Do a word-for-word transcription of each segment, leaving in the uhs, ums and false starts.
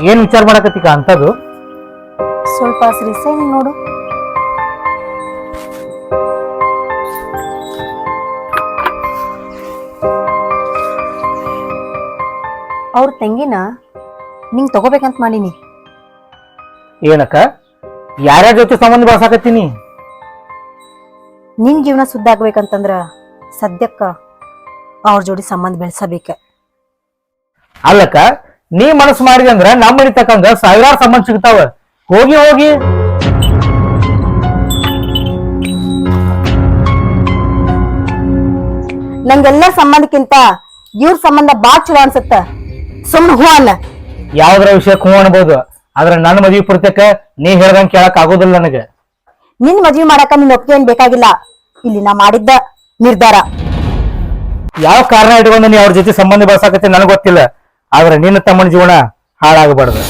ಏನ್ ವಿಚಾರ ಮಾಡಕತ್ತೀಕ ಅಂತದು? ಸ್ವಲ್ಪ ಶ್ರೀಶೈಲ್ ನೋಡು. ಅವ್ರ ತಂಗಿನ ನಿಂಗ್ ತಗೋಬೇಕಂತ ಮಾಡೀನಿ. ಏನಕ್ಕ ಯಾರ್ಯಾರ ಜೊತೆ ಸಂಬಂಧ ಬೆಳ್ಸಾಕತ್ತೀನಿ? ನಿನ್ ಜೀವನ ಸುದ್ದ ಆಗ್ಬೇಕಂತಂದ್ರ ಸದ್ಯಕ್ಕ ಅವ್ರ ಜೋಡಿ ಸಂಬಂಧ ಬೆಳ್ಸಬೇಕ. ಅಲ್ಲಕ್ಕ ನೀ ಮನಸ್ಸು ಮಾಡಿದೆ ಅಂದ್ರ ನಮ್ಮ ಮನಿ ತಕ್ಕಂಗ ಸಾವಿರಾರು ಸಂಬಂಧ ಸಿಗ್ತಾವ. ಹೋಗಿ ಹೋಗಿ ನಂಗೆಲ್ಲ ಸಂಬಂಧಕ್ಕಿಂತ ಇವ್ರ ಸಂಬಂಧ ಬಾಳ್ ಚಲೋ ಅನ್ಸತ್ತ. ಸುಮ್ನ ಹೂ ಅಲ್ಲ. ಯಾವ್ದ್ರ ವಿಷಯಕ್ಕೆ ಹೂ ಅನ್ಬೋದು, ಆದ್ರ ನನ್ನ ಮದ್ವಿ ಪುರ್ತಕ ನೀ ಹೇಳ್ದಂಗ ಕೇಳಕ್ ಆಗೋದಿಲ್ಲ ನನಗೆ. ನಿನ್ ಮದ್ವಿ ಮಾಡಾಕ ನಿನ್ ಒಪ್ಪಿಗೆ ಏನ್ ಬೇಕಾಗಿಲ್ಲ. ಇಲ್ಲಿ ನಾ ಮಾಡಿದ್ದ ನಿರ್ಧಾರ. ಯಾವ ಕಾರಣ ಇಟ್ಕೊಂಡು ನೀ ಅವ್ರ ಜೊತೆ ಸಂಬಂಧ ಬೆಳ್ಸಾಕತ್ತಿ ನನಗೆ ಗೊತ್ತಿಲ್ಲ, ಆದ್ರೆ ನಿನ್ನ ತಮ್ಮನ ಜೀವನ ಹಾಳಾಗಬಾರ್ದು.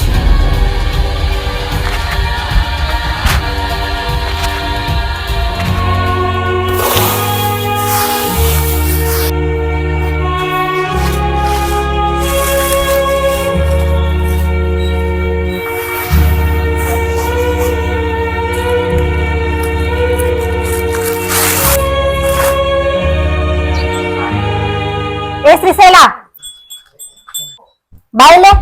ಏ ಶ್ರೀಶೈಲ ಬಾಯಿಲೆ.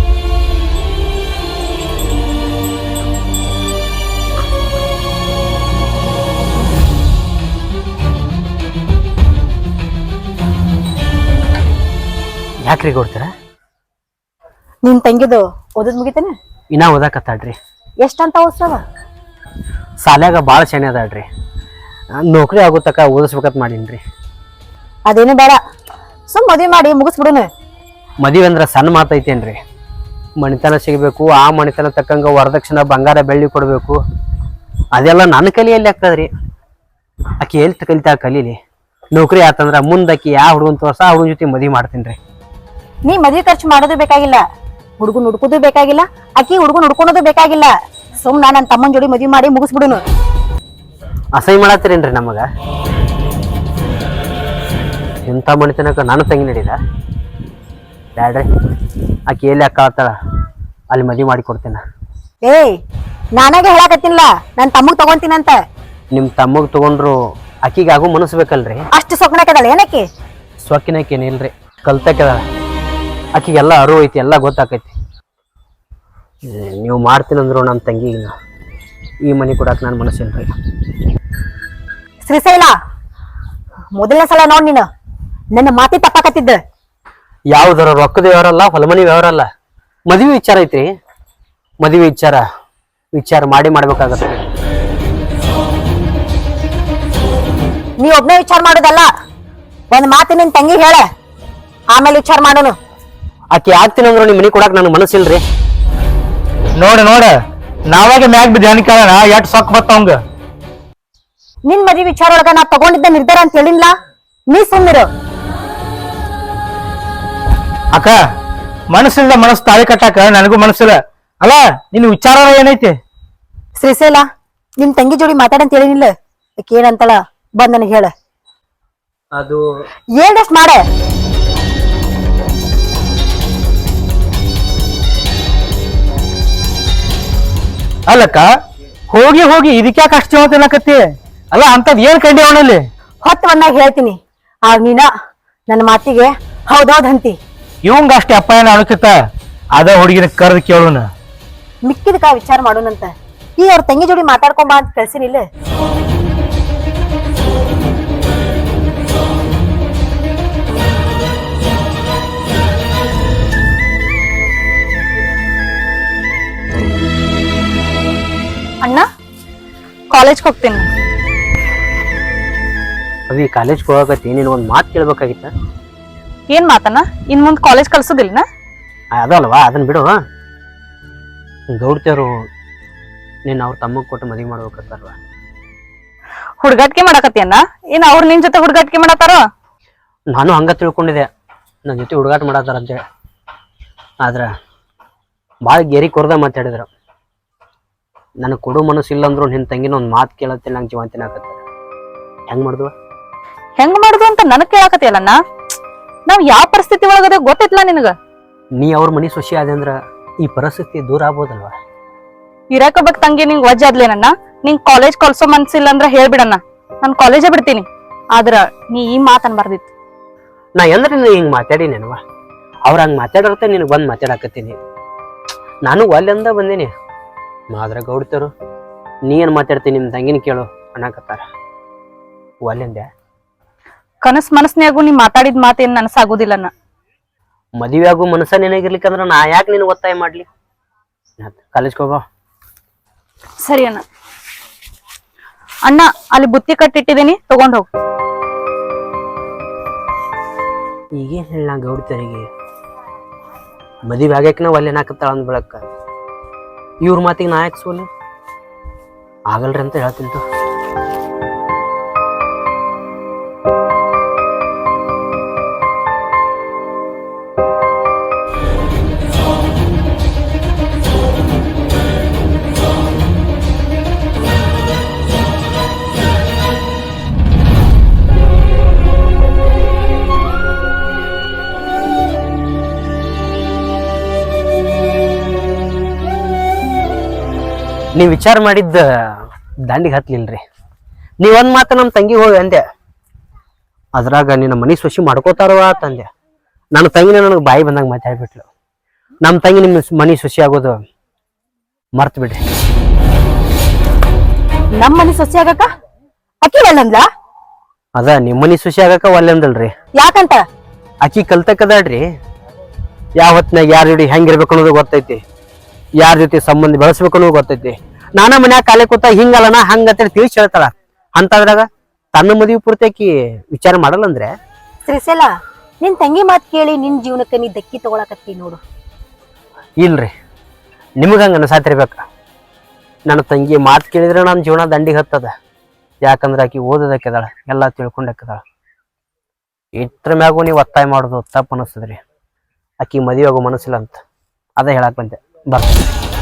ಯಾಕ್ರಿ ಕೊಡ್ತೀರ? ನಿನ್ ತಂಗಿದು ಓದದ್ ಮುಗಿತೇನೆ? ಇನ್ನ ಓದಾಕತ್ತಾಳ್ರಿ. ಎಷ್ಟಂತ ಓದ್ಸವ? ಸಾಲ್ಯಾಗ ಭಾಳ ಶನಿ ಅದಾಳ್ರಿ. ನೌಕರಿ ಆಗೋ ತಕ ಓದಿಸ್ಬೇಕಂತ ಮಾಡೀನ್ರಿ. ಅದೇನು ಬೇಡ, ಸುಮ್ ಮದ್ವಿ ಮಾಡಿ ಮುಗಿಸ್ಬಿಡುನು. ಮದುವೆ ಅಂದ್ರೆ ಸಣ್ಣ ಮಾತೈತೇನ್ರಿ? ಮಣಿತನ ಸಿಗಬೇಕು, ಆ ಮಣಿತನ ತಕ್ಕಂಗ ವರದಕ್ಷಿಣೆ ಬಂಗಾರ ಬೆಳ್ಳಿ ಕೊಡಬೇಕು, ಅದೆಲ್ಲ ನನ್ನ ಕಲಿಯಲ್ಲಿ ಆಗ್ತದ್ರಿ. ಆಕಿ ಎಲ್ಲಿ ಕಲಿತಾ ಕಲೀಲಿ. ನೌಕರಿ ಆತಂದ್ರ ಮುಂದಕ್ಕಿ ಯಾವ ಹುಡುಗನ್ ತೋರ್ಸ ಆ ಹುಡುಗನ ಜೊತೆ ಮದುವೆ ಮಾಡ್ತೀನಿ. ನೀ ಮದ್ವಿ ಖರ್ಚು ಮಾಡೋದು ಬೇಕಾಗಿಲ್ಲ, ಹುಡುಗನ್ ಹುಡ್ಕೋದು ಬೇಕಾಗಿಲ್ಲ, ಆಕಿ ಹುಡುಗನ್ ಹುಡ್ಕೊಳೋದು ಬೇಕಾಗಿಲ್ಲ. ಸುಮ್ ನಾ ನನ್ನ ತಮ್ಮನ ಜೋಡಿ ಮದ್ವಿ ಮಾಡಿ ಮುಗಿಸ್ಬಿಡುನು. ಅಸಹ್ಯ ಮಾಡತ್ತೀರೇನ್ರಿ ನಮಗ? ಇಂಥ ಮಣಿತನಕ ನಾನು ತಂಗಿ ನಡೀದ ಬ್ಯಾಡ್ರಿ. ಆಕಿ ಎಲ್ಲಿ ಅಕ್ಕ ಆತಾಳ ಅಲ್ಲಿ ಮದುವೆ ಮಾಡಿ ಕೊಡ್ತೇನೆ. ಏಯ್ ನಾನಾಗೆ ಹೇಳಾಕತ್ತಿನ್ಲ ನನ್ ತಮ್ಮಗ್ ತಗೊಂತೀನಂತ. ನಿಮ್ ತಮ್ಮಗ್ ತಗೊಂಡ್ರು ಆಕಿಗೆ ಆಗೋ ಮನಸ್ಸು ಬೇಕಲ್ರಿ? ಅಷ್ಟು ಸೊಕ್ಕಣಕದಳ ಏನಕ್ಕೆ? ಸೊಕ್ಕಿನಕೇನಿಲ್ರಿ, ಕಲ್ತಕ್ಕದ. ಆಕಿಗೆಲ್ಲ ಅರಿವು ಐತಿ, ಎಲ್ಲ ಗೊತ್ತಾಕೈತಿ. ನೀವು ಮಾಡ್ತೀನಂದ್ರು ನಮ್ಮ ತಂಗಿಗೆ ಈ ಮನೆ ಕೊಡಾಕ ನಾನು ಮನಸ್ಸಿಲ್ರಿ. ಶ್ರೀಶೈಲ ಮೊದಲನೇ ಸಲ ನೋಡ್ ನೀನು ನನ್ನ ಮಾತಿ ತಪ್ಪಾಕತ್ತಿದ್ದ. ಯಾವ್ದಾರ ರೊಕ್ಕದ ವ್ಯವಹಾರಲ್ಲ, ಹೊಲಮನಿ ವ್ಯವಹಾರಲ್ಲ, ಮದುವೆ ವಿಚಾರ ಐತ್ರಿ. ಮದುವೆ ವಿಚಾರ ವಿಚಾರ ಮಾಡಿ ಮಾಡ್ಬೇಕಾಗತ್ತೆ. ನೀ ಒಬ್ನೇ ವಿಚಾರ ಮಾಡೋದಲ್ಲ, ಒಂದ್ ಮಾತು ನಿನ್ ತಂಗಿ ಹೇಳ, ಆಮೇಲೆ ವಿಚಾರ ಮಾಡೋನು. ಆಕಿ ಆಗ್ತೀನಂದ್ರು ನಿಮ್ ಮನಿ ಕೊಡಾಕ ನನ್ ಮನಸ್ಸಿಲ್ರಿ. ನೋಡ ನೋಡ ನಾವಾಗ ಮ್ಯಾಗ ಬಿದ್ದ ಹೆಣ್ ಕೇಳೋಣ ಎಟ್ ಸೊಕ್ಕ ಬತ್ತವಂಗ. ನಿನ್ ಮದ್ವಿ ವಿಚಾರ ಒಳಗ ನಾ ತಗೊಂಡಿದ್ದ ನಿರ್ಧಾರ ಅಂತ ಹೇಳಿಲ್ಲ, ನೀ ಸುಮ್ಮಿರು. ಅಕ್ಕ ಮನಸ್ಸಿಲ್ಲ, ಮನಸ್ಸು ತಾಳಿ ಕಟ್ಟಾಕ ನನಗೂ ಮನಸ್ಸಿಲ್ಲ ಅಲ್ಲ. ನಿನ್ ವಿಚಾರ ಏನೈತಿ? ಶ್ರೀಶೈಲ ನಿಮ್ ತಂಗಿ ಜೋಡಿ ಮಾತಾಡಂತ ಹೇಳಿನಿಲ್ಲ, ಆಕಿ ಏನಂತಳ ಬಂದ್ ನನಗೆ ಹೇಳ. ಅದು ಏನಷ್ಟು ಮಾಡ. ಅಲ್ಲಕ್ಕ ಹೋಗಿ ಹೋಗಿ ಇದಕ್ಯಾಕ ಅಷ್ಟು ಜೀವ ತಿನ್ನಕತ್ತಿ? ಅಲ್ಲ ಅಂತದ್ ಏನ್ ಕಂಡಿ ಅವನಲ್ಲಿ? ಹೊತ್ತು ಬಂದಾಗ ಹೇಳ್ತೀನಿ, ಆಗ ನೀನ ನನ್ನ ಮಾತಿಗೆ ಹೌದೌದ್ ಅಂತಿ. ಇವಂಗ ಅಷ್ಟೇ ಅಪ್ಪಾಯನ ಅಣಕಿತ್ತ ಅದ ಹುಡುಗಿನ ಕರೆದು ಕೇಳೋಣ. ಮಿಕ್ಕಿದಕ್ಕ ವಿಚಾರ ಮಾಡೋಣಂತ. ಈ ಅವ್ರ ತಂಗಿ ಜೋಡಿ ಮಾತಾಡ್ಕೊಂಬ ಅಂತ ಕಳ್ಸಿನಿಲ್ಲ. ಅಣ್ಣ ಕಾಲೇಜ್ಗೆ ಹೋಗ್ತೀನಿ. ಅವಿ ಕಾಲೇಜ್ಗೆ ಹೋಗಕತ್ತಿ, ನೀನು ಒಂದು ಮಾತು ಕೇಳ್ಬೇಕಾಗಿತ್ತ. ಏನ್ ಮಾತಣ್ಣ? ಇನ್ ಮುಂದ್ ಕಾಲೇಜ್ ಕಳ್ಸೋದಿಲ್ಲ? ಅದಲ್ವಾ, ಅದನ್ನ ಬಿಡು. ಗೌಡ್ತಿಯವರು ನೀನು ಅವ್ರ ತಮ್ಮಗ್ ಕೊಟ್ಟು ಮದುವೆ ಮಾಡ್ಬೇಕತ್ತಾರವ. ಹುಡುಗಾಟಿಕೆ ಮಾಡಕತ್ತಿಯನ್ನ? ಏನ್ ಅವ್ರ ನಿನ್ ಜೊತೆ ಹುಡುಗಾಟಿಕೆ ಮಾಡತ್ತಾರ? ನಾನು ಹಂಗ ತಿಳ್ಕೊಂಡಿದ್ದೆ, ನನ್ನ ಜೊತೆ ಹುಡುಗಾಟ ಮಾಡತ್ತಾರ ಅಂತೇಳಿ. ಆದ್ರ ಭಾಳ ಗೆರಿ ಕೊರ್ದ ಮಾತಾಡಿದ್ರು. ನನಗೆ ಕೊಡೋ ಮನಸ್ಸು ಇಲ್ಲಂದ್ರು ನಿನ್ನ ತಂಗಿನ ಒಂದು ಮಾತು ಕೇಳತ್ತಿಲ್ಲ, ನಂಗೆ ಜೀವಂತಿನ ಆಗತ್ತ. ಹೆಂಗ್ ಮಾಡ್ದುವ? ಹೆಂಗ್ ಮಾಡುದು ಅಂತ ನನಗ್ ಕೇಳಾಕತ್ತಿಯಲ್ಲಣ್ಣ? ನಾವ್ ಯಾವ ಪರಿಸ್ಥಿತಿ ಒಳಗದೆ ಗೊತ್ತಿತ್ಲ ನಿನಗ? ನೀ ಅವ್ರ ಮನಿ ಸೊಸಿ ಆದೆ ಅಂದ್ರ ಈ ಪರಿಸ್ಥಿತಿ ದೂರ ಆಗ್ಬೋದಲ್ವಾ? ಇರಾಕಬೇಕ್ ತಂಗಿ ನಿಂಗ್ ವಜ್ಜ ಆದ್ಲೇನನ್ನ ನಿಂಗ್ ಕಾಲೇಜ್ ಕಳ್ಸೋ ಮನ್ಸಿಲ್ಲ ಅಂದ್ರ ಹೇಳ್ಬಿಡಣ್ಣ, ನಾನ್ ಕಾಲೇಜೇ ಬಿಡ್ತೀನಿ. ಆದ್ರ ನೀ ಈ ಮಾತ್ ಅನ್ಬಾರ್ದಿತ್ತು. ನಾ ಎಂದ್ರೆ ನೀ ಹಿಂಗ್ ಮಾತಾಡಿನೇನವ? ಅವ್ರ ಹಂಗ್ ಮಾತಾಡೋರ್ತ ನಿನಗೆ ಬಂದ್ ಮಾತಾಡಕತ್ತೀನಿ. ನಾನು ಒಲ್ಲೆಂದ ಬಂದೀನಿ. ಮಾದ್ರ ಗೌಡ್ತರು ನೀ ಏನ್ ಮಾತಾಡ್ತೀನಿ ನಿಮ್ ತಂಗಿನ ಕೇಳು ಅನ್ನಕತ್ತಾರ. ಒಲ್ಲೆಂದೆ ಕನಸ್ ಮನಸ್ನ್ಯಾಗು ನೀ ಮಾತಾಡಿದ ಮಾತೇನ್ ನನಸಾಗುದಿಲ್ಲನ್ನ. ಮದುವೆ ಆಗು ಮನಸ್ಸ ನಿನಗಿರ್ಲಿಕ್ಕಂದ್ರ ನಾ ಯಾಕೆ ನಿನ್ ಒತ್ತಾಯ ಮಾಡ್ಲಿ? ಕಾಲೇಜ್ಗೆ ಹೋಗೋ. ಸರಿ ಅಣ್ಣ. ಅಣ್ಣ ಅಲ್ಲಿ ಬುತ್ತಿ ಕಟ್ಟಿಟ್ಟಿದ್ದೀನಿ, ತಗೊಂಡ್ ಹೋಗ್. ಈಗೇನ್ ಹೇಳ ಗೌಡ್ತರಿಗೆ ಮದುವೆ ಆಗ್ಯಾಕ ನಾವು ಅಲ್ಲೇನ್ ಹಾಕತ್ತಾಳ ಅಂದ್ ಬೆಳಕ ಇವ್ರ ಮಾತಿಗೆ ನಾ ಯಾಕೆ ಸೋಲಿ ಆಗಲ್ರಿ ಅಂತ ಹೇಳ್ತಿಂತು. ನೀವ್ ವಿಚಾರ ಮಾಡಿದ್ದ ದಾಂಡಿಗೆ ಹತ್ಲಿಲ್ರಿ. ನೀವೊಂದ್ ಮಾತ ನಮ್ ತಂಗಿ ಹೋಗಿ ಅಂದೆ, ಅದ್ರಾಗ ನಿನ್ನ ಮನಿ ಸೊಸಿ ಮಾಡ್ಕೋತಾರವ ತಂದೆ. ನನ್ನ ತಂಗಿನ ನನಗೆ ಬಾಯಿ ಬಂದಾಗ ಮಾತಾಡ್ಬಿಟ್ಲು. ನಮ್ ತಂಗಿ ನಿಮ್ ಮನಿ ಸೊಸಿ ಆಗೋದು ಮರ್ತ್ ಬಿಡ್ರಿ. ನಮ್ ಮನಿ ಸೊಸಿ ಆಗಕ ಅಕ್ಕಿ ಒಲ್ಲಂದ್ಲ? ಅದ ನಿಮ್ ಮನಿ ಸೊಸಿ ಆಗಕ ಒಲ್ಲೆ ಅಂದಲ್ರಿ. ಯಾಕಂತ? ಅಕ್ಕಿ ಕಲ್ತಕ್ಕದಾಡ್ರಿ. ಯಾವ ಹೊತ್ನಾಗ ಯಾರ ಜೋಡಿ ಹೆಂಗಿರ್ಬೇಕು ಅನ್ನೋದು ಗೊತ್ತೈತಿ, ಯಾರ ಜೊತೆ ಸಂಬಂಧ ಬೆಳೆಸ್ಬೇಕು ಅನ್ನೋದು ಗೊತ್ತೈತಿ. ನಾನ ಮನ್ಯಾಗ ಕಾಲೇ ಕೂತ ಹಿಂಗಲ್ಲನ ಹಂಗಂತೇಳಿ ತಿಳಿಸಿ ಹೇಳ್ತಾಳ. ಅಂತದ್ರಾಗ ತನ್ನ ಮದುವೆ ಪೂರ್ತಿ ಆಕಿ ವಿಚಾರ ಮಾಡಲ್ಲ ಅಂದ್ರೆ? ಶ್ರೀಶೈಲ, ನಿನ್ ತಂಗಿ ಮಾತ್ ಕೇಳಿ ನಿನ್ ಜೀವನಕ್ಕೆ ನೀ ದಕ್ಕಿ ತಗೊಳಕತ್ತಿ ನೋಡು. ಇಲ್ರಿ, ನಿಮಗ ಹಂಗ ಅನಸಾತಿರ್ಬೇಕ. ನನ್ನ ತಂಗಿ ಮಾತು ಕೇಳಿದ್ರೆ ನನ್ನ ಜೀವನ ದಂಡಿಗೆ ಹತ್ತದ. ಯಾಕಂದ್ರೆ ಆಕಿ ಓದೋದಕ್ಕೆದಾಳ, ಎಲ್ಲಾ ತಿಳ್ಕೊಂಡಕ್ಕೆದಾಳ. ಇದ್ರ ಮ್ಯಾಗು ನೀವು ಒತ್ತಾಯ ಮಾಡೋದು ತಪ್ಪು ಅನಿಸ್ತದ್ರಿ. ಆಕಿ ಮದುವೆ ಆಗೋ ಮನಸ್ಸಿಲ್ಲ ಅಂತ ಅದ ಹೇಳಕ್ ಬಂದೆ. ಬರ್ತೀನಿ.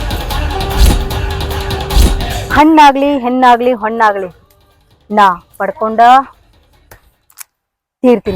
ಹಣ್ಣಾಗ್ಲಿ ಹೆಣ್ಣಾಗ್ಲಿ ಹೊಣ್ಣಾಗ್ಲಿ ನಾ ಪಡ್ಕೊಂಡ ತೀರ್ತೀನಿ.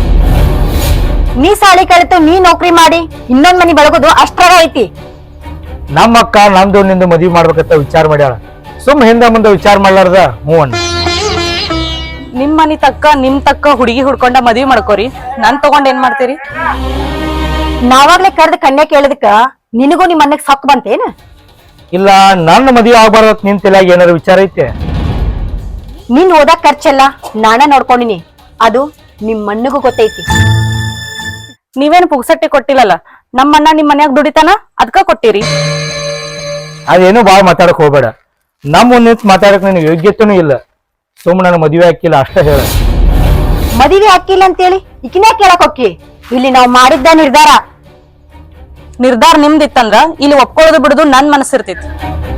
ನೀ ಸಾಲಿ ಕಲಿತು ನೀ ನೌಕರಿ ಮಾಡಿ ಇನ್ನೊಂದ್ ಮನಿ ಬೆಳಗೋದು ಅಷ್ಟ್ರಾಗ ಐತಿ. ನಮ್ಮ ಅಕ್ಕ ನಮ್ದು ನಿಂದು ಮದ್ವಿ ಮಾಡ್ಬೇಕಂತ ವಿಚಾರ ಮಾಡ್ಯಾಳ. ಸುಮ್ ಹಿಂದ ಮುಂದೆ ವಿಚಾರ ಮಾಡ್ಲಾರ್ದ ಹ್ಞೂ ಅಣ್ಣ. ನಿಮ್ ಮನಿ ತಕ್ಕ ನಿಮ್ ತಕ್ಕ ಹುಡುಗಿ ಹುಡ್ಕೊಂಡ ಮದ್ವಿ ಮಾಡ್ಕೋರಿ, ನನ್ ತಗೊಂಡ್ ಏನ್ ಮಾಡ್ತೀರಿ? ನಾವಾಗ್ಲೇ ಕರೆದ ಕನ್ಯಾ ಕೇಳದಕ್ಕ ನಿನಗೂ ನಿಮ್ ಮನೆಗ್ ಸೊಕ್ ಬಂತೇನ? ಇಲ್ಲ, ನನ್ನ ಮದ್ವಿ ಆಗ್ಬಾರ್ದತ್ ನಿಂತಿಲ್ಲ, ಏನಾರು ವಿಚಾರ ಐತೆ? ನಿನ್ ಓದಾಕ್ ಖರ್ಚೆಲ್ಲ ನಾನ ನೋಡ್ಕೊಂಡಿನಿ, ಅದು ನಿಮ್ ಮಣ್ಣಿಗೂ ಗೊತ್ತೈತಿ. ನೀವೇನ್ ಪುಗ್ಸಟ್ಟಿ ಕೊಟ್ಟಿಲ್ಲಲ್ಲ, ನಮ್ಮಣ್ಣ ನಿಮ್ ಮನ್ಯಾಗ ದುಡಿತಾನ ಅದ್ಕ ಕೊಟ್ಟಿರಿ. ಅದೇನು ಬಾಳ್ ಮಾತಾಡಕ್ ಹೋಗ್ಬೇಡ. ನಮ್ ಮುಂದೆ ನಿಂತ್ ಮಾತಾಡಕ್ ನಿನಗೆ ಯೋಗ್ಯತೆನೂ ಇಲ್ಲ. ಸುಮ್ ನನ್ನ ಮದ್ವೆ ಹಾಕಿಲ್ಲ ಅಷ್ಟ ಹೇಳ. ಮದುವೆ ಹಾಕಿಲ್ಲ ಅಂತೇಳಿ ಈಕಿನ ಕೇಳಕ್ ಹೋಗಿ. ಇಲ್ಲಿ ನಾವ್ ಮಾಡಿದ್ದ ನಿರ್ಧಾರ. ನಿರ್ಧಾರ ನಿಮ್ದಿತ್ತಂದ್ರ ಇಲ್ಲಿ ಒಪ್ಕೊಳ್ಳೋದು ಬಿಡುದು ನನ್ ಮನಸ್ಸಿರ್ತೈತಿ.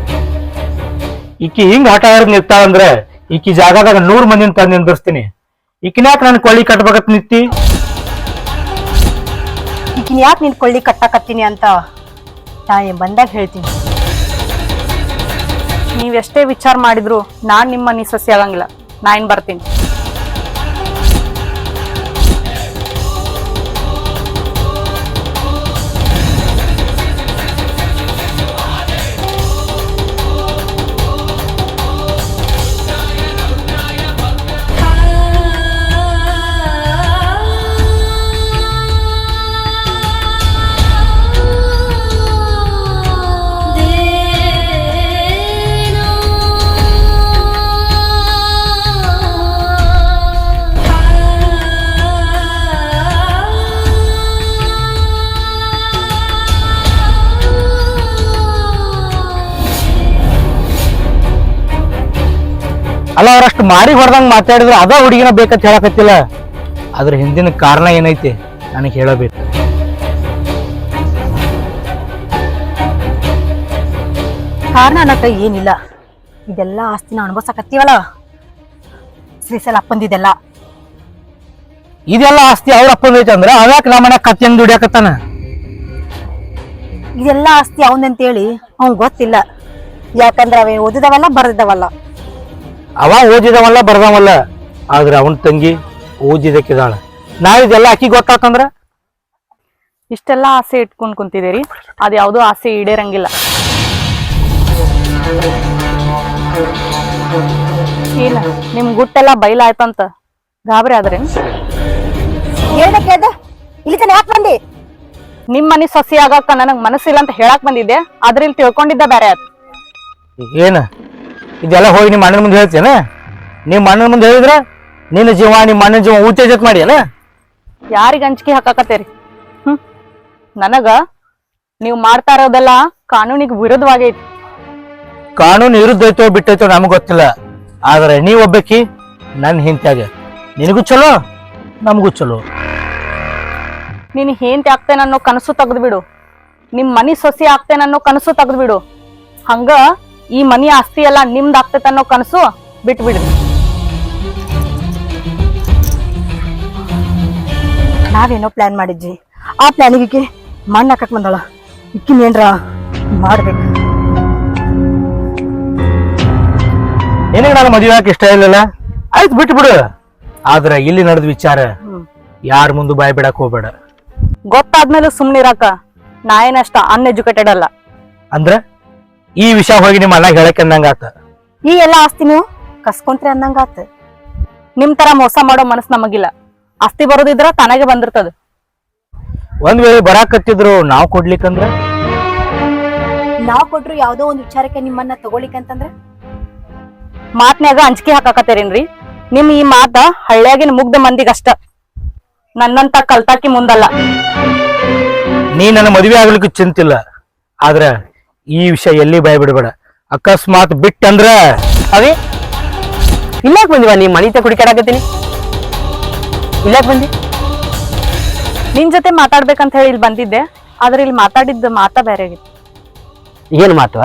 ಈಕಿ ಹಿಂಗ್ ಆಟ ಆಡ್ ನಿಂತಾಳಂದ್ರ ಈಕಿ ಜಾಗದಾಗ ನೂರ್ ಮಂದಿನ ತಂದು ನಿಂದಿರ್ಸ್ತೀನಿ. ಈಕಿನ್ಯಾಕ್ ನನ್ ಕೊಳ್ಳಿ ಕಟ್ಬೇಕತ್ ನಿಂತಿ? ಈಕಿನ ಯಾಕೆ ನಿನ್ ಕೊಳ್ಳಿ ಕಟ್ಟಾಕತ್ತೀನಿ ಅಂತ ನಾ ಏನ್ ಬಂದಾಗ ಹೇಳ್ತೀನಿ. ನೀವ್ ಎಷ್ಟೇ ವಿಚಾರ ಮಾಡಿದ್ರು ನಾನ್ ನಿಮ್ಮ ಮನಿ ಸೊಸೆ ಆಗಂಗಿಲ್ಲ. ನಾ ಏನ್ ಬರ್ತೀನಿ. ಅಲ್ಲ, ಅವ್ರಷ್ಟು ಮಾರಿ ಹೊಡೆದಂಗ್ ಮಾತಾಡಿದ್ರೆ ಅದ ಹುಡುಗಿನ ಬೇಕಂತ ಹೇಳಕತ್ತಿಲ್ಲ. ಅದ್ರ ಹಿಂದಿನ ಕಾರಣ ಏನೈತಿ ನನಗೆ ಹೇಳಬೇಕು. ಕಾರಣ ಅನ್ನಕ ಏನಿಲ್ಲ. ಇದೆಲ್ಲ ಆಸ್ತಿನ ಅನುಭವಿಸಕತ್ತೀವಲ್ಲ ಶ್ರೀಶೈಲ ಅಪ್ಪಂದಿದೆಲ್ಲ. ಇದೆಲ್ಲ ಆಸ್ತಿ ಅವ್ರ ಅಪ್ಪಂದೈತಿ ಅಂದ್ರ ಅವ್ಯಾಕ ನಮ್ಮ ಮನ್ಯಾಗ ಕತ್ತಿ ಹೆಂಗ್ ದುಡಿಯಾಕತ್ತಾನ? ಇದೆಲ್ಲ ಆಸ್ತಿ ಅವನಂತೇಳಿ ಅವ್ನ್ ಗೊತ್ತಿಲ್ಲ. ಯಾಕಂದ್ರ ಅವೇ ಓದಿದವಲ್ಲ ಬರ್ದಿದ್ದವಲ್ಲ. ಅವ ಓದಿದವಲ್ಲ ಬರ್ದವಲ್ಲ, ಆದ್ರೆ ಅವನ ತಂಗಿ ಓದಿದಕ್ಕಿದಾಳ. ನಾ ಇದೆಲ್ಲ ಆಕಿ ಗೊತ್ತಾತಂದ್ರ ಇಷ್ಟೆಲ್ಲ ಆಸೆ ಇಟ್ಕೊಂಡ್ ಕುಂತಿದ್ದೀರಿ ಅದ್ ಯಾವ್ದೋ ಆಸೆ ಈಡೇರಂಗಿಲ್ಲ. ಏನ ನಿಮ್ ಗುಟ್ಟೆಲ್ಲ ಬೈಲಾಯ್ತಂತ ಗಾಬರಿ ಆದ್ರೇನ್? ಹೇಳ್ದೆ ಕೇಳ್ದೆ ಇಲ್ಲಿ ತನ ಯಾಕೆ ಬಂದಿ? ನಿಮ್ ಮನಿ ಸಸಿ ಆಗಾಕ ನನಗ್ ಮನಸ್ಸಿಲ್ಲ ಅಂತ ಹೇಳಕ್ ಬಂದಿದ್ದೆ, ಆದ್ರೆ ಇಲ್ಲಿ ತಿಳ್ಕೊಂಡಿದ್ದ ಬೇರೆ ಆಯ್ತು. ಏನ ಇದೆಲ್ಲ ಹೋಗಿ ನಿಮ್ಮ ಅಣ್ಣನ ಮುಂದೆ ಹೇಳ್ತೇನ? ನಿಮ್ಮ ಅಣ್ಣನ ಮುಂದೆ ಹೇಳಿದ್ರ ನಿನ್ನ ಜೀವ ನಿಮ್ಮ ಅಣ್ಣನ ಜೀವ ಉತ್ತೇಜತ್ ಮಾಡಿ ಅಲ್ಲ? ಯಾರಿಗ ಅಂಜಿಕೆ ಹಾಕಾಕತ್ತೇರಿ? ಹ್ಮ್ ನನಗ ನೀವ್ ಮಾಡ್ತಾ ಇರೋದೆಲ್ಲ ಕಾನೂನಿಗೆ ವಿರುದ್ಧವಾಗೈತಿ. ಕಾನೂನು ವಿರುದ್ಧ ಐತೋ ಬಿಟ್ಟೈತೋ ನಮಗ್ ಗೊತ್ತಿಲ್ಲ, ಆದ್ರೆ ನೀವ್ ಒಬ್ಬಕಿ ನನ್ ಹಿಂತ್ಯಾಗ, ನಿನಗೂ ಚಲೋ ನಮಗೂ ಚಲೋ. ನೀನ್ ಹೇಂತಿ ಆಗ್ತೇನೆ ಅನ್ನೋ ಕನಸು ತೆಗ್ದು ಬಿಡು, ನಿಮ್ ಮನಿ ಸೊಸಿ ಆಗ್ತೇನೆ ಅನ್ನೋ ಕನಸು ತೆಗ್ದು ಬಿಡು. ಹಂಗ ಈ ಮನಿ ಆಸ್ತಿ ಎಲ್ಲ ನಿಮ್ದ್ ಆಗ್ತೈತೆ ಅನ್ನೋ ಕನಸು ಬಿಟ್ಟು ಬಿಡ್ರಿ. ನಾವೇನೋ ಪ್ಲಾನ್ ಮಾಡಿದ್ವಿ, ಆ ಪ್ಲಾನಿಗೆ ಮಣ್ಣು ಹಾಕಕ್ ಬಂದಳ. ಇಕ್ಕಿನ ಏನ್ರ ಮಾಡ್ಬೇಕು. ನಿನಗೆ ನಾನು ಮದುವೆ ಹಾಕಿ ಇಷ್ಟ ಇಲ್ಲಲ್ಲ, ಆಯ್ತು ಬಿಟ್ಟು ಬಿಡು. ಆದ್ರೆ ಇಲ್ಲಿ ನಡೆದ ವಿಚಾರ ಯಾರ ಮುಂದೆ ಬಾಯ್ ಬಿಡಕ್ ಹೋಗ್ಬೇಡ. ಗೊತ್ತಾದ್ಮೇಲೆ ಸುಮ್ನಿರಾಕ ನಾ ಏನಷ್ಟ ಅನ್ಎಜುಕೇಟೆಡ್ ಅಲ್ಲ. ಅಂದ್ರ ಈ ವಿಷಯ ಹೋಗಿ ನಿಮ್ಮ ಅಣ್ಣ ಹೇಳಕ್ ಅಂದಂಗಾತ. ಈ ಎಲ್ಲಾ ಆಸ್ತಿ ನೀವು ಕಸ್ಕೊಂತ್ರಿ ಅಂದಂಗಾತ. ನಿಮ್ ತರ ಮೋಸ ಮಾಡೋ ಮನಸ್ ನಮಗಿಲ್ಲ. ಆಸ್ತಿ ಬರೋದಿದ್ರ ತನಗೆ ಬಂದಿರ್ತದ. ಒಂದ್ ವೇಳೆ ಬರಾಕತ್ತಿದ್ರು ನಾವ್ ಕೊಡ್ಲಿಕ್ಕಂದ್ರ? ನಾವ್ ಕೊಟ್ರು ಯಾವ್ದೋ ಒಂದ್ ವಿಚಾರಕ್ಕೆ ನಿಮ್ಮನ್ನ ತಗೊಳಿಕಂತಂದ್ರ ಮಾತ್ನ್ಯಾಗ ಅಂಜಿಕೆ ಹಾಕಾಕತ್ತೇರೇನ್ರಿ? ನಿಮ್ ಈ ಮಾತ ಹಳ್ಳಿಯಾಗಿನ ಮುಗ್ಧ ಮಂದಿಗಷ್ಟ, ನನ್ನಂತ ಕಲ್ತಾಕಿ ಮುಂದಲ್ಲ. ನೀ ನನ್ನ ಮದುವೆ ಆಗ್ಲಿಕ್ಕೆ ಚಿಂತಿಲ್ಲ, ಆದ್ರ ಈ ವಿಷಯ ಎಲ್ಲಿ ಬಾಯ್ ಬಿಡಬೇಡ. ಅಕಸ್ಮಾತ್ ಬಿಟ್ಟಂದ್ರ ಅವೇ ಇಲ್ಲಾಕ್ ಬಂದಿವ? ನೀ ಮನಿತ ಕುಡಿಕಾಡಕತ್ತೀನಿ, ಇಲ್ಲಾಕ್ ಬಂದಿ? ನಿನ್ ಜೊತೆ ಮಾತಾಡ್ಬೇಕಂತ ಹೇಳಿ ಇಲ್ಲಿ ಬಂದಿದ್ದೆ, ಆದ್ರೆ ಇಲ್ಲಿ ಮಾತಾಡಿದ್ದ ಮಾತಾ ಬೇರೆ ಆಗಿತ್ತು. ಏನ್ ಮಾತು?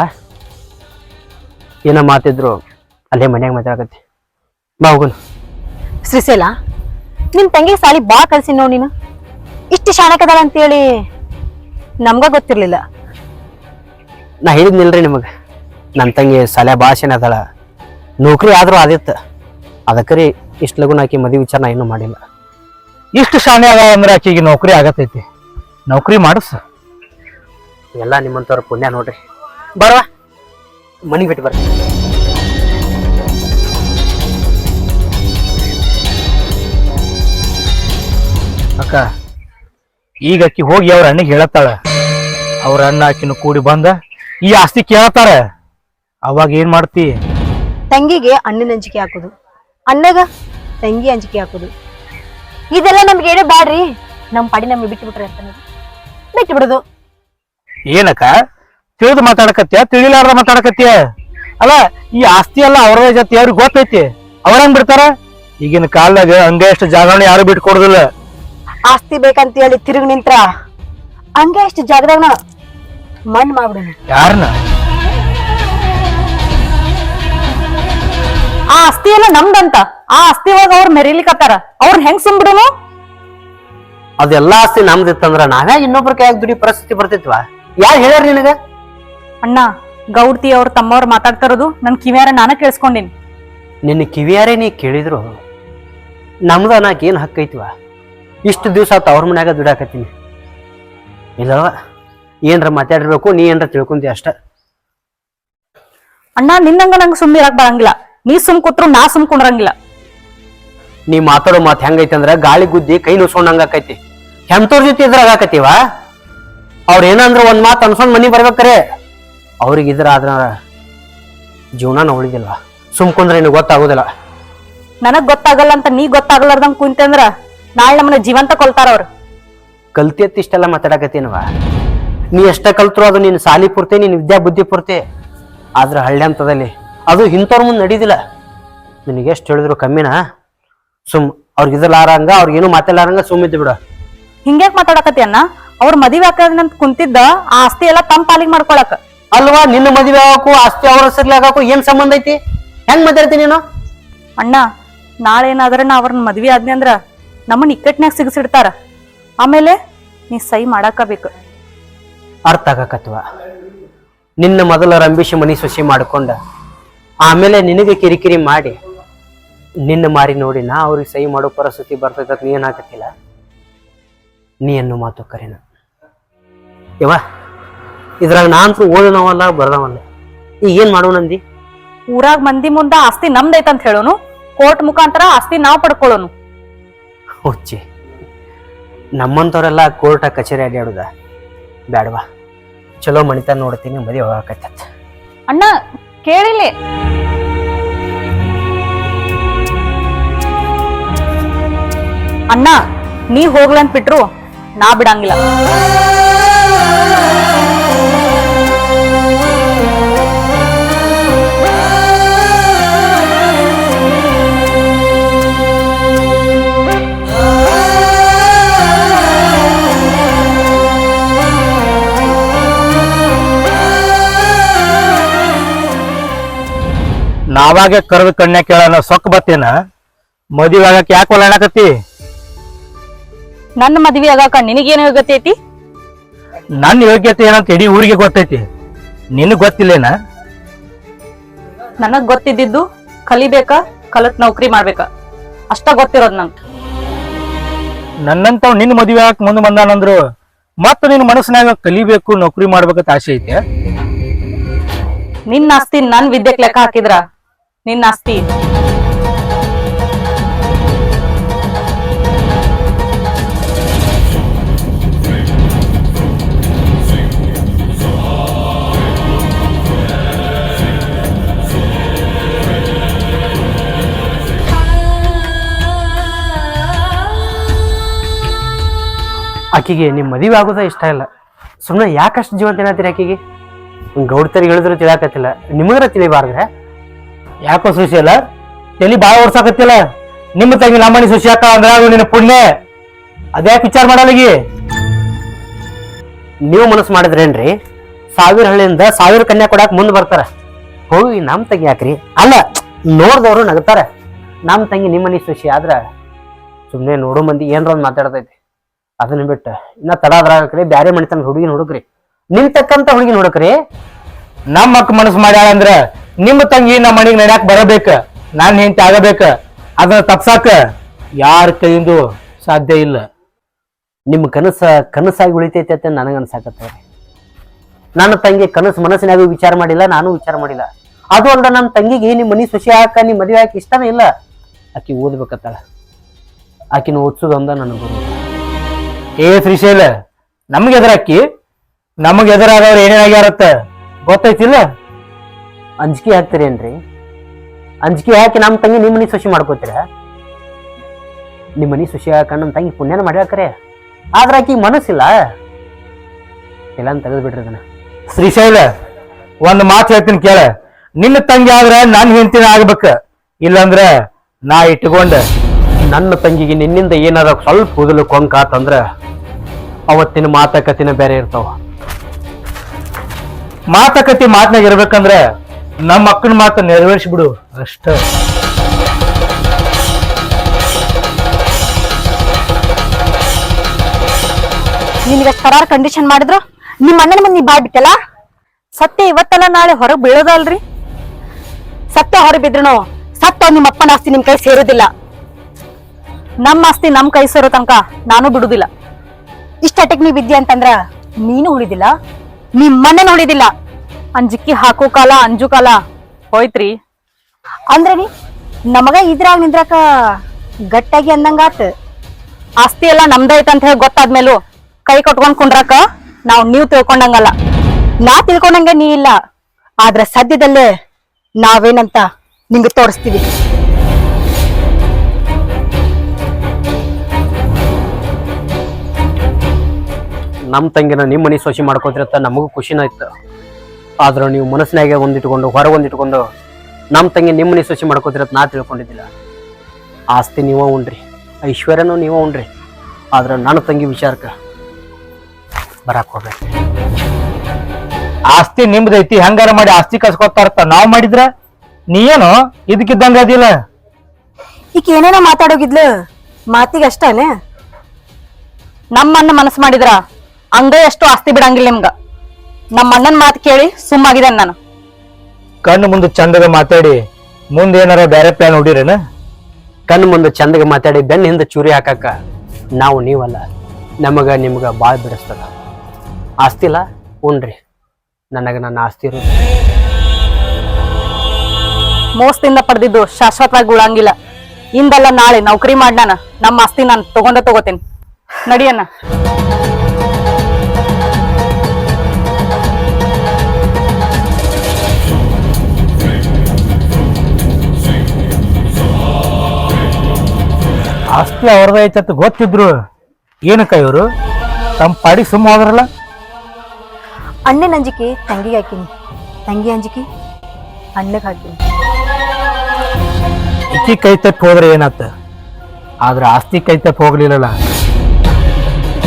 ಏನ ಮಾತಿದ್ರು ಅಲ್ಲೇ ಮನ್ಯಾಗ ಮಾತಾಡಕತ್ತಿ. ಬಾ ಹೋಗುನ್. ಶ್ರೀಶೈಲ, ನಿಮ್ ತಂಗಿ ಸಾಲಿ ಬಾ ಕಲ್ಸಿ ನೋಡ್. ನೀನು ಇಷ್ಟು ಶಾಣಕದಾಳ ಅಂತೇಳಿ ನಮ್ಗ ಗೊತ್ತಿರ್ಲಿಲ್ಲ. ನಾ ಹೇಳಿದ್ನಿಲ್ರಿ ನಿಮಗ, ನನ್ನ ತಂಗಿ ಸಾಲೆ ಭಾಷೆನ ಅದಳ, ನೌಕರಿ ಆದ್ರೂ ಆದಿತ್ತ. ಅದಕ್ಕರಿ ಇಷ್ಟು ಲಗುನ ಆಕಿ ಮದುವೆ ವಿಚಾರ ನಾ ಇನ್ನೂ ಮಾಡಿಲ್ಲ. ಇಷ್ಟು ಶಾಣೆ ಅದ ಅಂದ್ರೆ ಆಕಿಗೆ ನೌಕರಿ ಆಗತೈತಿ, ನೌಕರಿ ಮಾಡಿಸ. ಎಲ್ಲ ನಿಮ್ಮಂತವ್ರ ಪುಣ್ಯ ನೋಡ್ರಿ. ಬರವಾ ಮನಿಗೆ ಬಿಟ್ಟು ಬರ್ರಿ. ಅಕ್ಕ, ಈಗ ಆಕಿ ಹೋಗಿ ಅವ್ರ ಅಣ್ಣಗೆ ಹೇಳತ್ತಾಳ. ಅವ್ರ ಅಣ್ಣ ಆಕಿನ ಕೂಡಿ ಬಂದ ಈ ಆಸ್ತಿ ಕೇಳತ್ತಾರ. ಅವಾಗ ಏನ್ ಮಾಡ್ತಿ? ತಂಗಿಗೆ ಅಣ್ಣನ ಅಂಜಿಕೆ ಹಾಕೋದು, ಅಣ್ಣಗ ತಂಗಿ ಅಂಜಿಕೆ ಹಾಕೋದು, ಇದೆಲ್ಲ ನಮ್ಗೆ ಏನೋ ಬ್ಯಾಡ್ರಿ. ನಮ್ ಪಾಡಿ ನಮ್ಗೆ ಬಿಟ್ಟು ಬಿಟ್ರಿ ಅಂತ ಬಿಟ್ಟು ಬಿಡುದು. ಏನಕ್ಕ ತಿಳಿದು ಮಾತಾಡಕತ್ಯ, ತಿಳಿಲಾರ್ದ ಮಾತಾಡಕತ್ಯ? ಅಲ್ಲ, ಈ ಆಸ್ತಿ ಎಲ್ಲ ಅವ್ರ ಜೊತೆ ಅವ್ರಿಗೆ ಗೊತ್ತೈತಿ, ಅವ್ರಂಗ್ ಬಿಡ್ತಾರ? ಈಗಿನ ಕಾಲದಾಗ ಹಂಗ ಎಷ್ಟು ಜಾಗರಣೆ ಯಾರು ಬಿಟ್ಟು ಕೊಡುದಿಲ್ಲ. ಆಸ್ತಿ ಬೇಕಂತ ಹೇಳಿ ತಿರುಗಿ ನಿಂತ್ರ ಹಂಗೆ ಎಷ್ಟು ಜಾಗದಾಗ ಮಣ್ಣು ಮಾಡ್ಬಿಡೋಣ. ಯಾರನ್ನ? ಆ ಆಸ್ತಿ ಎಲ್ಲ ನಮ್ದಂತ, ಆ ಆಸ್ತಿ ಒಳಗ ಅವ್ರ ಮೆರಿಲಿಕತ್ತಾರ, ಅವ್ರನ್ನ ಹೆಂಗ್ ಸುಮ್ಬಿಡೋನು? ಅದೆಲ್ಲಾ ಆಸ್ತಿ ನಮ್ದಿತ್ತಂದ್ರ ನಾವ್ಯಾ ಇನ್ನೊಬ್ರ ಕೈಯಾಗ ದುಡಿ ಪರಿಸ್ಥಿತಿ ಬರ್ತಿತ್ವಾ? ಯಾರು ಹೇಳ್ಯಾರ ನಿನಗ? ಅಣ್ಣ, ಗೌಡ್ತಿ ಅವ್ರ ತಮ್ಮವ್ರ ಮಾತಾಡ್ತಾರದು ನನ್ ಕಿವ್ಯಾರ ನಾನ ಕೇಳಿಸ್ಕೊಂಡಿನಿ. ನಿನ್ನ ಕಿವಿಯಾರೇ ನೀ ಕೇಳಿದ್ರು ನಮ್ದ ನಾಕ್ ಏನ್ ಹಕ್ಕೈತಿವ? ಇಷ್ಟು ದಿವ್ಸ ಆತ ಅವ್ರ ಮನ್ಯಾಗ ದುಡಾಕತ್ತೀನಿ. ಇಲ್ಲವ ಏನ್ರ ಮಾತಾಡಿರ್ಬೇಕು, ನೀ ಏನ್ರ ತಿಳ್ಕೊಂತಿ ಅಷ್ಟ. ಅಣ್ಣ, ನಿನ್ನಂಗ ನಂಗೆ ಸುಮ್ಮನೆ ಇರಕ್ ಬರಂಗಿಲ್ಲ. ನೀ ಸುಮ್ ಕೂತ್ರು ನಾ ಸುಮ್ ಕುಂಡ್ರಂಗಿಲ್ಲ. ನೀ ಮಾತಾಡೋ ಮಾತು ಹೆಂಗೈತಿ ಅಂದ್ರ ಗಾಳಿ ಗುದ್ದಿ ಕೈ ನುಸ್ಕೊಂಡಂಗ ಆಕೈತಿ. ಎಂತವ್ರ ಜೊತೆ ಇದ್ರಾಗ ಆಕತಿವ? ಅವ್ರ ಏನಂದ್ರ ಒಂದ್ ಮಾತು ಅನ್ಸೊಂಡ್ ಮನಿ ಬರ್ಬೇಕ್ರೆ, ಅವ್ರಿಗೆ ಇದ್ರ ಆದ್ರ ಜೀವನ ಉಳಿದಿಲ್ವಾ? ಸುಮ್ಕೊಂಡ್ರೆ ನಿನಗೆ ಗೊತ್ತಾಗೋದಿಲ್ಲ. ನನಗ್ ಗೊತ್ತಾಗಲ್ಲ ಅಂತ ನೀ ಗೊತ್ತಾಗಲಾರ್ದಂಗ್ ಕುಂತೆ ಅಂದ್ರ ನಾಳೆ ನಮ್ಮನ್ನ ಜೀವಂತ ಕೊಲ್ತಾರ ಅವ್ರು. ಕಲ್ತಿ ಎತ್ತಿ ಇಷ್ಟೆಲ್ಲ ಮಾತಾಡಕತ್ತೀನವ? ನೀ ಎಷ್ಟ ಕಲ್ತ್ರು ಅದು ನಿನ್ನ ಸಾಲಿ ಪೂರ್ತಿ, ನಿನ್ನ ವಿದ್ಯಾ ಬುದ್ಧಿ ಪೂರ್ತಿ. ಆದ್ರ ಹಳ್ಳಿ ಅಂತದಲ್ಲಿ ಅದು ಇಂಥವ್ರ ಮುಂದೆ ನಡೀದಿಲ್ಲ. ನಿನಗೆ ಎಷ್ಟು ಹೇಳಿದ್ರು ಕಮ್ಮಿನ? ಸುಮ್ ಅವ್ರಿಗೆ ಇದ್ರಲಾರಂಗ, ಅವ್ರಿಗೇನು ಮಾತಾಡಲಾರಂಗ ಸುಮ್ ಇದ್ದು ಬಿಡ. ಹಿಂಗ್ಯಾಕ್ ಮಾತಾಡಕತಿ ಅಣ್ಣ? ಅವ್ರ ಮದುವೆ ಹಾಕದಂತ ಕುಂತಿದ್ದ ಆ ಆಸ್ತಿ ಎಲ್ಲ ತಮ್ಮ ಪಾಲಿಗೆ ಮಾಡ್ಕೊಳಕ ಅಲ್ವಾ? ನಿನ್ನ ಮದುವೆ ಆಗಕ್ಕೂ ಆಸ್ತಿ ಅವ್ರ ಹೆಸರ್ಲಿ ಆಗಾಕು ಏನ್ ಸಂಬಂಧ ಐತಿ? ಹೆಂಗ್ ಮಾತಾಡ್ತೀನಿ ನೀನು? ಅಣ್ಣ, ನಾಳೆ ಏನಾದ್ರ ನಾ ಅವ್ರನ್ನ ಮದ್ವಿ ಆದ್ನಿ ಅಂದ್ರ ನಮ್ಮನ್ನ ಇಕ್ಕಟ್ನ್ಯಾಗ ಸಿಗಸಿಡ್ತಾರ. ಆಮೇಲೆ ನೀ ಸೈ ಮಾಡಾಕಬೇಕು. ಅರ್ಥ ಆಗಾಕತ್ವ? ನಿನ್ನ ಮೊದಲ ರಂಬಿಸಿ ಮನಿ ಸೊಸಿ ಮಾಡ್ಕೊಂಡ ಆಮೇಲೆ ನಿನಗೆ ಕಿರಿಕಿರಿ ಮಾಡಿ ನಿನ್ನ ಮಾರಿ ನೋಡಿ ನಾ ಅವ್ರಿಗೆ ಸಹಿ ಮಾಡೋ ಪರಿಸ್ಥಿತಿ ಬರ್ತೈತ. ನೀ ಏನಾಗತ್ತಿಲ್ಲ? ನೀ ಅನ್ನೋ ಮಾತು ಕರೆನ ಯವ ಇದ್ರಾಗ ನಾನ್ಸು ಓದನವಲ್ಲ ಬರ್ದವಲ್ಲ ಈಗ ಏನ್ ಮಾಡೋಣಂದಿ? ಊರಾಗ ಮಂದಿ ಮುಂದ ಆಸ್ತಿ ನಮ್ದೈತಂತ ಹೇಳೋನು, ಕೋರ್ಟ್ ಮುಖಾಂತರ ಆಸ್ತಿ ನಾವ್ ಪಡ್ಕೊಳ್ಳೋನು. ಹುಚ್ಚಿ ನಮ್ಮಂತವ್ರೆಲ್ಲ ಕೋರ್ಟ ಕಚೇರಿ ಅಡ್ಯಾಡುದ ಬ್ಯಾಡವಾ, ಚಲೋ ಮಣಿತ ನೋಡ್ತೀನಿ, ಮದುವೆ ಹೋಗಾಕತ್ತ. ಅಣ್ಣ ಕೇಳಿಲಿ, ಅಣ್ಣ ನೀ ಹೋಗ್ಲಂತ ಬಿಟ್ರು ನಾ ಬಿಡಂಗಿಲ್ಲ. ನಾವಾಗೆ ಕರೆದು ಕಣ್ಣ ಕೇಳೋಣ ಸೊಕ್ಕ ಬತ್ತೇನ, ಮದುವೆ ಆಗಕ್ಕೆ ಯಾಕೆ ಒಳ್ಳಾಡಕತ್ತಿ? ನನ್ನ ಮದ್ವಿ ಆಗಾಕ ನಿನಗೇನು ಯೋಗ್ಯತೆ ಐತಿ? ನನ್ನ ಯೋಗ್ಯತೆ ಏನಂತ ಇಡೀ ಊರಿಗೆ ಗೊತ್ತೈತಿ, ನಿನಗ್ ಗೊತ್ತಿಲ್ಲೇನ? ನನಗ್ ಗೊತ್ತಿದ್ದಿದ್ದು ಕಲಿಬೇಕ, ಕಲತ್ ನೌಕರಿ ಮಾಡ್ಬೇಕ, ಅಷ್ಟ ಗೊತ್ತಿರೋದ್ ನಂಗೆ. ನನ್ನಂತವ್ ನಿನ್ನ ಮದುವೆ ಆಗಕ್ ಮುಂದೆ ಬಂದಾನಂದ್ರು ಮತ್ತ ನಿನ್ನ ಮನಸ್ಸಿನಾಗ ಕಲಿಬೇಕು, ನೌಕರಿ ಮಾಡ್ಬೇಕಂತ ಆಸೆ ಐತೆ. ನಿನ್ನ ಆಸ್ತಿ ನನ್ ವಿದ್ಯೆಕ್ ಲೆಕ್ಕ ಹಾಕಿದ್ರ ನಿನ್ನ ಆಸ್ತಿ ಆಕಿಗೆ ನಿಮ್ ಮದುವೆ ಆಗೋದ ಇಷ್ಟ ಇಲ್ಲ. ಸುಮ್ಮನೆ ಯಾಕಷ್ಟು ಜೀವಂತ ಏನಾತೀರಿ ಆಕಿಗೆ? ಗೌಡ್ತರಿಗೆ ಹೇಳಿದ್ರು ತಿಳಿಯಾಕತ್ತಿಲ್ಲ, ನಿಮಗರ ತಿಳಿಬಾರ್ದ್ರೆ? ಯಾಕೋ ಸುಶಿ ಅಲ್ಲ ತಲಿ ಬಾಳ ಓಡ್ಸಾಕತ್ತಿಲ್ಲ. ನಿಮ್ಮ ತಂಗಿ ನಮ್ಮನಿ ಸುಶಿ ಅಕ್ಕ ಅಂದ್ರ ಅದು ನಿನ್ನ ಪುಣ್ಯ, ಅದ್ಯಾಕೆ ವಿಚಾರ ಮಾಡಲ್ಲಗಿ? ನೀವು ಮನಸ್ಸು ಮಾಡಿದ್ರೇನ್ರಿ? ಸಾವಿರ ಹಳ್ಳಿಯಿಂದ ಸಾವಿರ ಕನ್ಯಾ ಕೊಡಾಕ್ ಮುಂದ್ ಬರ್ತಾರ, ಹೋಗಿ ನಮ್ ತಂಗಿ ಯಾಕ್ರಿ? ಅಲ್ಲ ನೋಡ್ದವ್ರು ನಗತಾರ. ನಮ್ ತಂಗಿ ನಿಮ್ಮನಿ ಸುಶಿ ಆದ್ರ ಸುಮ್ನೆ ನೋಡೋ ಮಂದಿ ಏನ್ರ ಒಂದ್ ಮಾತಾಡ್ತೈತಿ. ಅದನ್ನ ಬಿಟ್ಟ ಇನ್ನ ತಡ ಅದ್ರಾಗ್ರಿ ಬ್ಯಾರೆ ಮಣಿತನ ಹುಡುಗಿನ ಹುಡುಕ್ರಿ, ನಿಮ್ ತಕ್ಕಂತ ಹುಡುಗಿನ ಹುಡುಕ್ರಿ. ನಮ್ಮ ಅಕ್ಕ ಮನಸ್ಸು ಮಾಡ್ಯಾಳ ಅಂದ್ರ ನಿಮ್ಮ ತಂಗಿ ನಮ್ಮ ಮನೆಗೆ ನಡ್ಯಾಕ್ ಬರಬೇಕ, ನಾನ್ ಹೆಂಡತಿ ಆಗಬೇಕ. ಅದನ್ನ ತಪ್ಸಾಕ ಯಾರ ಕೈಯಿಂದ ಸಾಧ್ಯ ಇಲ್ಲ. ನಿಮ್ ಕನಸ ಕನಸಾಗಿ ಉಳಿತೈತಿ ಅಂತ ನನಗ ಅನ್ಸಾಕತ್ತವ್ರಿ. ನನ್ನ ತಂಗಿ ಕನಸು ಮನಸ್ಸಿನಾಗ ವಿಚಾರ ಮಾಡಿಲ್ಲ, ನಾನು ವಿಚಾರ ಮಾಡಿಲ್ಲ. ಅದು ಅಲ್ದ ನಮ್ಮ ತಂಗಿಗೆ ನಿಮ್ ಮನಿ ಸುಶಿ ಹಾಕ ನಿಮ್ ಮದುವೆ ಹಾಕಿ ಇಷ್ಟನೇ ಇಲ್ಲ. ಆಕಿ ಓದ್ಬೇಕತ್ತಾಳ, ಆಕಿನ ಓದ್ಸೋದೊಂದ ನನಗೆ ಬರೋದು. ಏ ಶ್ರೀಶೈಲ, ನಮ್ಗೆ ಎದುರಾಕಿ ನಮಗ್ ಎದುರಾದವ್ರು ಏನೇನಾಗ್ಯಾರತ್ತ ಗೊತ್ತೈತಿಲ್ಲ? ಅಂಜಿಕೆ ಹಾಕ್ತೀರೇನ್ರಿ? ಅಂಜಿಕೆ ಹಾಕಿ ನಮ್ಮ ತಂಗಿ ನಿಮ್ಮ ಮನಿ ಸುಶಿ ಮಾಡ್ಕೋತೀರ? ನಿಮ್ಮ ಮನಿ ಸುಶಿ ಹಾಕ ನಮ್ಮ ತಂಗಿ ಪುಣ್ಯನ ಮಾಡ್ಯಾಕರೆ, ಆದ್ರ ಆಕಿ ಮನಸ್ಸಿಲ್ಲ. ಎಲ್ಲ ತೆಗೆದು ಬಿಡ್ರಿ ಅದನ್ನ. ಶ್ರೀಶೈಲ, ಒಂದ್ ಮಾತು ಹೇಳ್ತೀನಿ ಕೇಳ. ನಿನ್ನ ತಂಗಿ ಆದ್ರ ನನ್ ಹೆಂಡತಿನ ಆಗ್ಬೇಕ, ಇಲ್ಲಂದ್ರ ನಾ ಇಟ್ಕೊಂಡ ನನ್ನ ತಂಗಿಗೆ ನಿನ್ನಿಂದ ಏನಾರ ಸ್ವಲ್ಪ ಕೂದಲು ಕೊಂಕಾತಂದ್ರ ಅವತ್ತಿನ ಮಾತುಕತೆನ ಬೇರೆ ಇರ್ತಾವ. ಮಾತುಕತೆ ಮಾತನಾಗ ಇರ್ಬೇಕಂದ್ರ ನಮ್ಮ ಅಕ್ಕನ ಮಾತು ನೆರವೇರಿಸ್ಬಿಡು ಅಷ್ಟ. ನಿನ್ಗೆ ಕರಾರ ಕಂಡೀಷನ್ ಮಾಡಿದ್ರು ನಿಮ್ಮ ಅಣ್ಣನ ಮಂದಿ ಬಾಯ್ ಬಿಟ್ಟಲ್ಲ. ಸತ್ಯ ಇವತ್ತಲ್ಲ ನಾಳೆ ಹೊರಗ್ ಬೀಳೋದಲ್ರಿ. ಸತ್ಯ ಹೊರ ಬಿದ್ರುನು ಸತ್ತ ನಿಮ್ಮ ಅಪ್ಪನ ಆಸ್ತಿ ನಿಮ್ ಕೈ ಸೇರೋದಿಲ್ಲ. ನಮ್ಮ ಆಸ್ತಿ ನಮ್ ಕೈ ಸೇರೋ ತನಕ ನಾನು ಬಿಡುದಿಲ್ಲ. ಇಷ್ಟಕ್ಕೆ ನೀ ವಿದ್ಯೆ ಅಂತಂದ್ರ ನೀನು ಉಳಿದಿಲ್ಲ, ನಿಮ್ಮನ್ನ ಉಳಿದಿಲ್ಲ. ಅಂಜಿಕ್ಕಿ ಹಾಕೋ ಕಾಲ ಅಂಜು ಕಾಲ ಹೋಯ್ತ್ರಿ. ಅಂದ್ರೆ ನೀ ನಮಗ ಇದ್ರಾಗ ನಿಂದ್ರಾಕ ಗಟ್ಟಾಗಿ ಅಂದಂಗಾತ. ಆಸ್ತಿ ಎಲ್ಲ ನಮ್ದೈತ ಅಂತ ಹೇಳಿ ಗೊತ್ತಾದ್ಮೇಲೂ ಕೈ ಕಟ್ಕೊಂಡ್ ಕುಂಡ್ರಾಕ ನಾವ್ ನೀವ್ ತಿಳ್ಕೊಂಡಂಗಲ್ಲ. ನಾ ತಿಳ್ಕೊಂಡಂಗ ನೀ ಇಲ್ಲ, ಆದ್ರ ಸದ್ಯದಲ್ಲೇ ನಾವೇನಂತ ನಿಂಗೆ ತೋರಿಸ್ತೀವಿ. ನಮ್ಮ ತಂಗಿನ ನಿಮ್ಮ ಮನಿ ಸೊಸಿ ಮಾಡ್ಕೋತಿರತ್ತ ನಮಗೂ ಖುಷಿನ ಇತ್ತು. ಆದ್ರೆ ನೀವು ಮನಸ್ಸಿನಾಗೆ ಒಂದಿಟ್ಕೊಂಡು ಹೊರಗೆ ಒಂದಿಟ್ಕೊಂಡು ನಮ್ಮ ತಂಗಿ ನಿಮ್ಮ ಮನಿ ಸೊಸಿ ಮಾಡ್ಕೋತಿರತ್ ನಾ ತಿಳ್ಕೊಂಡಿದ್ದಿಲ್ಲ. ಆಸ್ತಿ ನೀವ ಉಣ್ರಿ, ಐಶ್ವರ್ಯನೂ ನೀವ ಉಣ್ರಿ, ಆದ್ರೆ ನನ್ನ ತಂಗಿ ವಿಚಾರಕ್ಕೆ ಬರಾಕ್ ಹೋಗ್ಬೇಕು. ಆಸ್ತಿ ನಿಮ್ದೈತಿ, ಹಂಗಾರ ಮಾಡಿ ಆಸ್ತಿ ಕಸ್ಕೊತಾರತ್ತ ನಾವ್ ಮಾಡಿದ್ರ ನೀ ಏನು ಇದಕ್ಕಿದ್ದಂಗ ಅದಿಲ್ಲ. ಈಗ ಏನೇನೋ ಮಾತಾಡೋಗಿದ್ಲು, ಮಾತಿಗೆ ಅಷ್ಟನೇ. ನಮ್ಮನ್ನ ಮನಸ್ಸು ಮಾಡಿದ್ರ ಹಂಗ ಎಷ್ಟು ಆಸ್ತಿ ಬಿಡಂಗಿಲ್ಲ ನಿಮ್ಗ. ನಮ್ಮ ಅಣ್ಣನ್ ಮಾತು ಕೇಳಿ ಸುಮ್ಮಾಗಿದೆ ನಾನು. ಕಣ್ಣು ಮುಂದೆ ಚಂದಗ ಮಾತಾಡಿ ಮುಂದೆ ಏನಾರ ಬೇರೆ ಪ್ಲಾನ್ ಹೊಡಿರೇನ? ಕಣ್ಣು ಮುಂದೆ ಚಂದಗೆ ಮಾತಾಡಿ ಬೆನ್ನ ಹಿಂದೆ ಚೂರಿ ಹಾಕಾಕ ನಾವು ನೀವಲ್ಲ, ನಮಗ ನಿಮ್ಗ ಬಾಳ್ ಬಿಡಿಸ್ತದ. ಆಸ್ತಿ ಇಲ್ಲ ಉಣ್ರಿ, ನನಗೆ ನನ್ನ ಆಸ್ತಿ ಇರೋದು. ಮೋಸದಿಂದ ಪಡೆದಿದ್ದು ಶಾಶ್ವತವಾಗಿ ಉಳಂಗಿಲ್ಲ. ಇಂದಲ್ಲ ನಾಳೆ ನೌಕರಿ ಮಾಡ್ನಾನ ನಮ್ಮ ಆಸ್ತಿ ನಾನು ತಗೊಂಡ ತಗೋತೇನೆ. ನಡಿಯಣ್ಣ. ಆಸ್ತಿ ಅವ್ರದೇ ಐತತ್ ಗೊತ್ತಿದ್ರು ಏನಕ್ಕ ಇವರು ತಮ್ಮ ಪಾಡಿ ಸುಮ್ಮ ಹೋದ್ರಲ್ಲ. ಅಣ್ಣನ ಅಂಜಿಕೆ ತಂಗಿಗೆ ಹಾಕಿನಿ, ತಂಗಿ ಅಂಜಿಕೆ ಅಣ್ಣಗೆ ಹಾಕಿನಿ. ಇಕ್ಕಿ ಕೈ ತಪ್ಪಿ ಹೋದ್ರೆ ಏನಾತ, ಆದ್ರೆ ಆಸ್ತಿ ಕೈ ತಪ್ಪಿ ಹೋಗ್ಲಿಲ್ಲಲ್ಲ.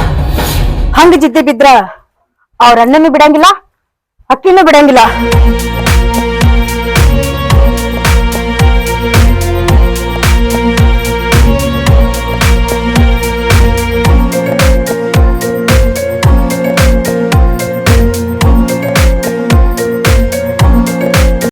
ಹಂಗ ಜಿದ್ದೆ ಬಿದ್ರ ಅವ್ರ ಅಣ್ಣನೂ ಬಿಡಂಗಿಲ್ಲ, ಅಕ್ಕಿನೂ ಬಿಡಂಗಿಲ್ಲ.